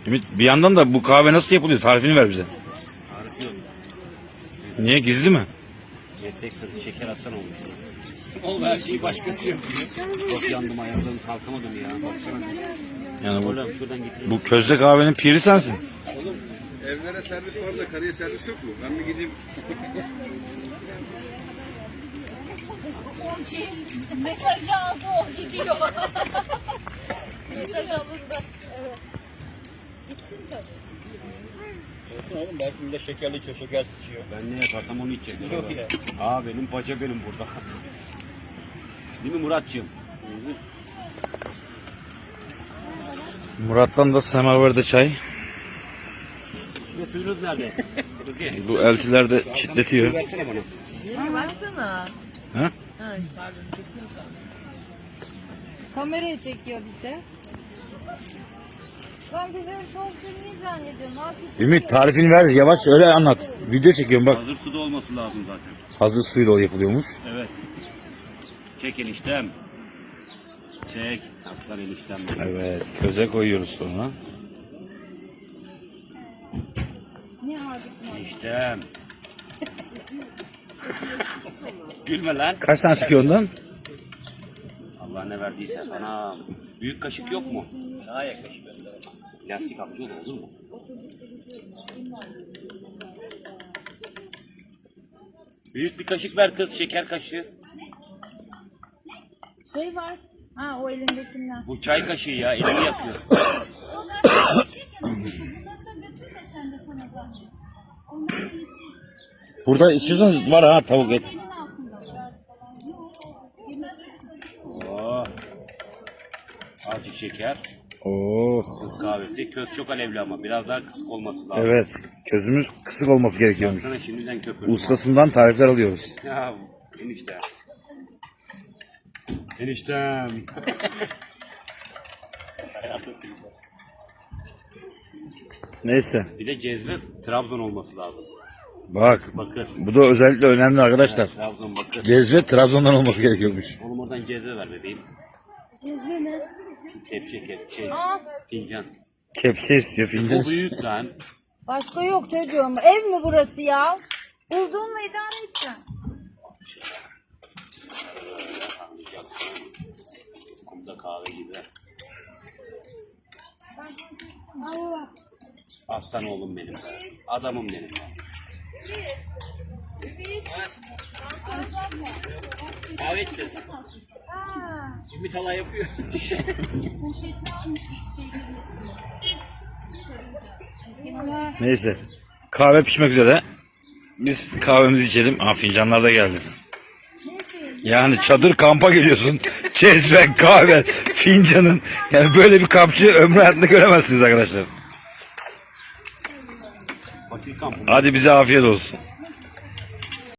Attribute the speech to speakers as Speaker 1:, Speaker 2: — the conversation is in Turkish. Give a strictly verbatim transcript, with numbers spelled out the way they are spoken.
Speaker 1: Ümit, bir yandan da bu kahve nasıl yapılıyor? Tarifini ver bize.
Speaker 2: Tarif yok.
Speaker 1: Niye, gizli mi?
Speaker 2: Yesek sırtı şeker atsan olmuş.
Speaker 3: Oğlum her şeyi başkası yapıyor.
Speaker 2: Çok yandım, ayıldım, kalkamadım ya. Baksana.
Speaker 1: Yani bu,
Speaker 2: Oğlum şuradan getirin.
Speaker 1: bu közde kahvenin piri sensin.
Speaker 3: Oğlum evlere servis var da karıya servis yok mu? Ben bir gideyim.
Speaker 4: Şey, mesajı aldı, o gidiyor. Mesaj alındı. Evet. Gitsin tabii.
Speaker 3: Olsun oğlum, belki bir de şekerli içiyor, şeker içiyor.
Speaker 2: Ben ne yaparsam onu içeceğim.
Speaker 3: Yok ya.
Speaker 2: Aa benim paça benim burada. Değil mi Muratcığım?
Speaker 1: Murat'tan da semaverde çay.
Speaker 2: Ne suyunuz nerede? Kızı.
Speaker 1: Bu eltiler de çitletiyor.
Speaker 2: Versene bana.
Speaker 4: Ha, baksana.
Speaker 1: Ha?
Speaker 4: Ha, pardon, çekiyorsan. Kameraya çekiyor bize. Ben güzel soğuk suyunu zannediyorum. Artık
Speaker 1: Ümit, tarifini ver, yavaş öyle anlat. Video çekiyorum bak.
Speaker 2: Hazır suda olması lazım zaten.
Speaker 1: Hazır suyla yapılıyormuş.
Speaker 2: Evet. Çek eniştem. Çek. Aslan eniştem.
Speaker 1: Evet, köze koyuyoruz sonra.
Speaker 4: ne harcık mı?
Speaker 2: Eniştem. Gülme lan.
Speaker 1: Kaç tane çıkıyor ondan?
Speaker 2: Allah ne verdiyse. Ana. Büyük kaşık yok mu? Daha yaklaşık. Plastik atlıyor da olur mu? Büyük bir kaşık ver kız. Şeker kaşığı.
Speaker 4: Şey var. Ha, o elindekinden.
Speaker 2: Bu çay kaşığı ya. Elini yakıyor.
Speaker 1: Burada istiyorsanız var ha, tavuk et.
Speaker 2: Oo. Azıcık şeker.
Speaker 1: Oh.
Speaker 2: Türk kahvesi. Köz çok alevli ama. Biraz daha kısık olması lazım.
Speaker 1: Evet, közümüz kısık olması gerekiyormuş.
Speaker 2: Sana şimdiden köpür.
Speaker 1: Ustasından tarifler alıyoruz.
Speaker 2: Ya enişte. Eniştem.
Speaker 1: Neyse,
Speaker 2: Bir de cezve Trabzon olması lazım.
Speaker 1: bak.
Speaker 2: Bakır.
Speaker 1: Bu da özellikle önemli arkadaşlar.
Speaker 2: Trabzon bakır.
Speaker 1: Cezve Trabzon'dan olması gerekiyormuş.
Speaker 2: Oğlum oradan cezve ver bebeğim.
Speaker 4: Cezve mi?
Speaker 2: Kepçe kepçe.
Speaker 4: Aa,
Speaker 2: Fincan.
Speaker 1: Kepçe istiyor, fincan
Speaker 2: Bu
Speaker 1: istiyor.
Speaker 2: büyük lan.
Speaker 4: başka yok çocuğum. Ev mi burası ya? Bulduğunla idare edeceksin.
Speaker 2: Kumda kahve gibi.
Speaker 4: Allah.
Speaker 2: Aslan oğlum benim. Adamım benim. Kahve içsin.
Speaker 4: Aa,
Speaker 3: Ümit hala yapıyor.
Speaker 4: poşetini almış şey girmesin.
Speaker 1: Neyse, kahve pişmek üzere. Biz kahvemizi içelim. Aa, fincanlar da geldi. Yani çadır kampa geliyorsun. Cezve, kahve, fincanın. Yani böyle bir kampçı ömrü hayatında göremezsiniz arkadaşlar.
Speaker 2: Fakir kampı.
Speaker 1: Hadi bize afiyet olsun.